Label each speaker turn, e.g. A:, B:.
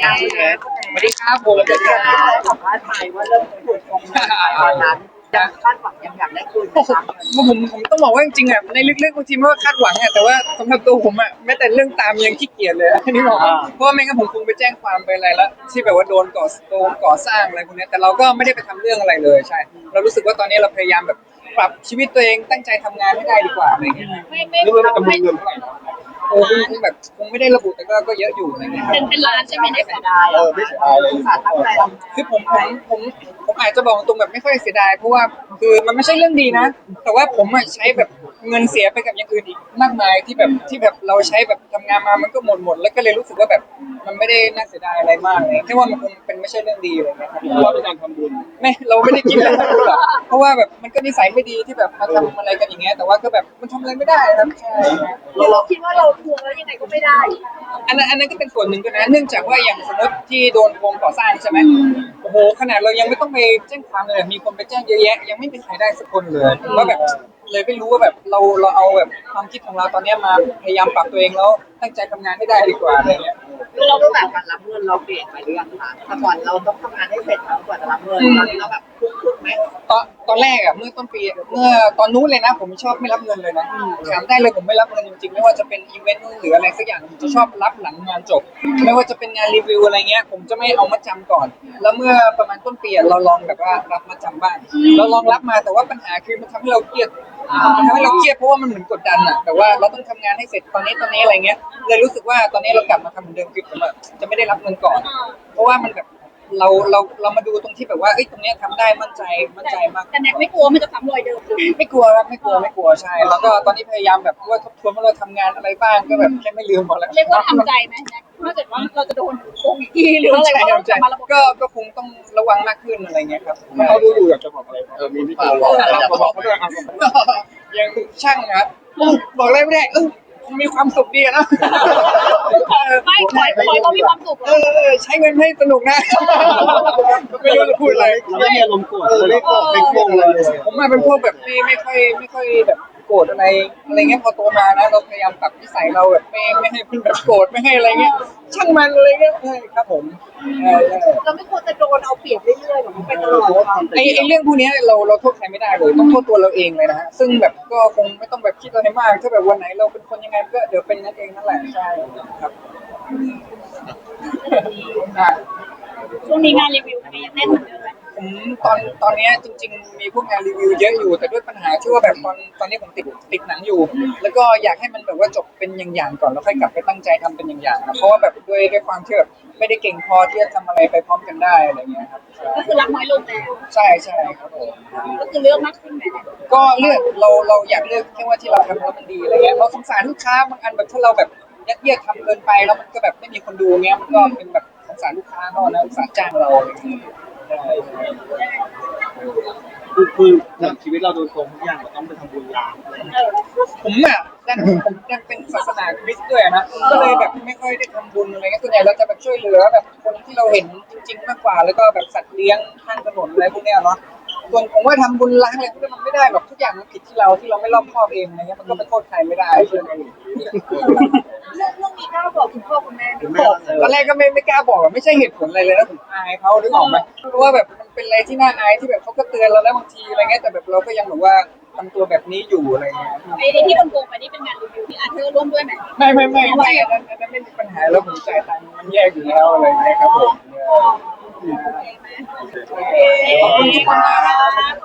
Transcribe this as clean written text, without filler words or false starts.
A: สวัสดีครับผม
B: สัมภาษณ์ไปว่าเริ่มถูกโกงเงินไปตอนนั้นยังคาดหวังยังอยากได้คืนนะคะ
A: ผมต้องบอกว่าจริงๆอ่ะในลึกๆบางทีมันก็คาดหวังอ่ะแต่ว่าสำหรับตัวผมอ่ะแม้แต่เรื่องตามยังขี้เกียจเลยอันนี้บอกเพราะว่าไม่งั้นผมคงไปแจ้งความไปอะไรแล้วที่แบบว่าโดนก่อสร้างอะไรพวกนี้แต่เราก็ไม่ได้ไปทำเรื่องอะไรเลยใช่เรารู้สึกว่าตอนนี้เราพยายามแบบปรับชีวิตตัวเองตั้งใจทำงานให้ได้ดีกว่าอะไรเงี้ย
C: ไม่
A: รู้ว่าจำนวนเงินเท่าไหร่โอ้คงแบบคงไม่ได้ระบุแต่ก็เยอะอยู่อะไรเงี้ย
C: เป็นล้านใช่ไหมได้
B: เสียดาย
A: ไม่เสียดายเลย
B: สาตั้งใจทำ
A: คือผมอาจจะบอกตรงแบบไม่ค่อยเสียดายเพราะว่าคือมันไม่ใช่เรื่องดีนะแต่ว่าผมอะใช้แบบเงินเสียไปกับอย่างอื่นอีกมากมายที่แบบเราใช้แบบทำงานมามันก็หมดแล้วก็เลยรู้สึกว่าแบบมันไม่ได้น่าเสียดายอะไรมากเลยแค่ว่ามันคงเป็นไม่ใช่เรื่องดีอะไรเงี้ยครับเพราะว่าเป็นการทำบุญไม่เราไม่ได้คิดอะไรหรอกเพราะว่าแบบมันก็นิสัยไม่ดีที่แบบมาทำอะไรกันอย่างเงี้ยแต่ว่าก็แบบมันทำอะไรไม่ได้ครับใช่
C: เราคิดว่าเราทวงแล้วยังไงก็ไม่ได้
A: อันนั้นก็เป็นส่วนหนึ่งก็นะเนื่องจากว่าอย่างสมมติที่โดนโกงก่อสร้างใช่ไหมโอ้โหขนาดเรายังไม่ต้องไปแจ้งความเลยมีคนไปแจ้งเยอะแยะยังไม่มีใครได้สักคนเลยว่าแบบเลยไม่รู้ว่าแบบเราเอาแบบความคิดของเราตอนนี้มาพยายามปรับตัวเองแล้วตั้งใจทำงานให้ได้ดีกว่าอะไรเงี้ย
B: คือเราต้องแบบการรับเงินเราเปลี่ยนไปหรือยังคะแต่ก่อนเราต้องทำงานให้เสร็จแล้วกว่าจะรับเงินตอนนี้เราแบบพุ่งไหม
A: ตอนแรกอ่ะเมื่อต้นปีเมื่อตอนนู้นเลยนะผมชอบไม่รับเงินเลยนะถามได้เลยผมไม่รับเงินจริงๆไม่ว่าจะเป็นอีเวนต์หรืออะไรสักอย่างผมจะชอบรับหลังงานจบไม่ว่าจะเป็นงานรีวิวอะไรเงี้ยผมจะไม่เอามาจำก่อนแล้วเมื่อประมาณต้นปีเราลองแบบว่ารับมาจำบ้างเราลองรับมาแต่ว่าปัญหาคือมันทำให้เราเครียดมันทำให้เราเครียดเพราะว่ามันเหมือนกดดันอ่ะแต่ว่าเราต้องทำงานให้เสร็จตอนนี้อะไรเงี้ยเลยรู้สึกว่าตอนนี้เรากลับมาทำเหมือนเดิมคือผมจะไม่ได้รับเงินก่อนเพราะว่ามันแบบเรามาดูตรงที่แบบว่าเอ้ยตรงเนี้ยทำได้มั่นใจมาก
C: แต่แน็กไม่กลัวมันจะซ้ำรอยเดิม
A: ไม่กลัวครับไม่กลัวใช่แล้วก็ตอนนี้พยายามแบบว่าทบทวนว่าเราทำงานอะไรบ้างก็แบบแค่ไม่ลืมหมดแล้ว
C: เรียกว่าทำใจไหมแน็กถ้าเกิดว่าเราจะโดนโกงอีกทีหรืออะไรก็ต้องกลับมาระบบ
A: ก็คงต้องระวังมากขึ้นอะไรเงี้ยครับถ้าเขาดูอยู่อยากจะบอกอะไรมีพี่ปูบอกเขาด้วยยังช่างนะบอกอะไรไม่ได้มีความสุขดีนะ
C: ไม่ขอเรามีความสุข
A: ใช้เงินให้สนุกนะไม่รู้จะพูดอะไร
D: ไม่มีอารมณ์โกรธไม่โกรธไม่โกงเลย
A: ผมมาเป็นพวกแบบไม่ค่อยแบบโกรธอะไรเงี้ยพอโตมานะเราพยายามปรับนิสัยเราแบบไม่ให้เป็นแบบโกรธไม่ให้อะไรเงี้ยช่างมันอะไรเงี้ยครับผม
B: เราไม่ควรจะโดนเอาเปรียบเรื่อยๆหรอกไปตลอด
A: ไอ้เรื่องพวกนี้เราโทษใครไม่ได้เลยต้องโทษตัวเราเองเลยนะฮะซึ่งแบบก็คงไม่ต้องแบบคิดอะไรมากถ้าแบบวันไหนเราเป็นคนยังไงก็เดี๋ยวเป็นนั่นเองนั่นแหละใช่ครับ
C: ช่วงนี้งานรีวิวมันยังแน่นเหมือนเดิมไหม
A: ผมตอนนี้จริงๆมีพวกงานรีวิวเยอะอยู่แต่ด้วยปัญหาที่ว่าแบบตอนนี้ผมติดหนังอยู่แล้วก็อยากให้มันแบบว่าจบเป็นอย่างๆก่อนแล้วค่อยกลับไปตั้งใจทำเป็นอย่างๆนะเพราะว่าแบบด้วยความที่แบบไม่ได้เก่งพอที่จะทำอะไรไปพร้อมกันได้อะไรเงี้ยครับ
C: ก็คือรับน้อยลงแล้ว
A: ใช่ครับผม
C: ก็คือเลือกมากขึ้นไหม
A: ก็เลือกเราอยากเลือกแค่ว่าที่เราทำแล้วมันดีอะไรเงี้ยเราสงสารลูกค้าบางอันแบบถ้าเราแบบยัดเยียดทำเกินไปแล้วมันก็แบบไม่มีคนดูเงี้ยมันก็เป็นแบบสงสารลูกค้าเขานะสงสารจ้างเราอะไรเงี้ย
D: คือเหมือนชีวิตเราโดนโกงทุกอย่างเราต้องไปทำบุญล้าง
A: ผมยังเป็นศาสนาคริสต์ด้วยนะก็เลยแบบไม่ค่อยได้ทำบุญอะไรเงี้ยส่วนใหญ่เราจะแบบช่วยเหลือแบบคนที่เราเห็นจริงๆมากกว่าแล้วก็แบบสัตว์เลี้ยงข้างถนนอะไรพวกเนี้ยเนาะส่วนผมว่าทำบุญล้างอะไรพวกนี้มันไม่ได้หรอกทุกอย่างมันผิดที่เราไม่รอบคอบเองอะไรเงี้ยมันก็ไปโทษใครไม่ได้ใช่ไหม
C: เรื่องนี้กล้าบอกคุณพ่อคุณแม่
A: บอกตอนแรกก็ไม่กล้าบอกไม่ใช่เหตุผลอะไรเลยนะผมอายเขานึกออกไหมเพราะว่าแบบมันเป็นอะไรที่น่าอายที่แบบเขาก็เตือนเราแล้วบางทีอะไรเงี้ยแต่แบบเราก็ยังแบบว่าทำตัวแบบนี้อยู่อะไรเงี้ย
C: ไอ้ที่มันโกงไปนี่เป็นงานรีวิวที่อาเธอร์ร่วมด้วยไหม
A: ไม่อันนั้นไม่มีปัญหาแล้วผมจ่ายตังค์มันแยกอยู่แล้วอะไรเงี้ยครับผม
C: โอเคไหมโอเคขอบคุณครับ